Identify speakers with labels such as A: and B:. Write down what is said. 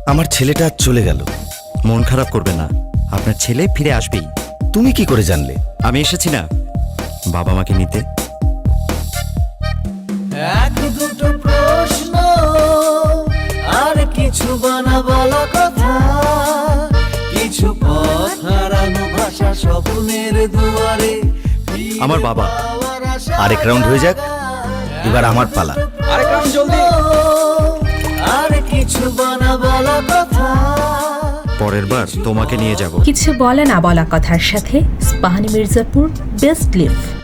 A: আমার ছেলেটা আজ চলে গেল।
B: মন খারাপ করবে না, আপনার ছেলে ফিরে আসবেই।
A: তুমি কি করে জানলে?
B: আমি এসেছি না বাবা মাকে নিতে।
C: এক দুটো প্রশ্ন আর কিছু বলা কথা, কিছু পথ হারানো ভাষা স্বপ্নের দুয়ারে।
B: আমার বাবা।
A: আরেক রাউন্ড হয়ে যাক, এবার আমার পালা।
C: আরেক রাউন্ড জলদি। আর কিছু বলা কথা।
B: পরের বার তোমাকে নিয়ে যাব।
D: কিছু বলা না বলা কথার সাথে ইস্পাহানি মির্জাপুর বেস্ট লিভ।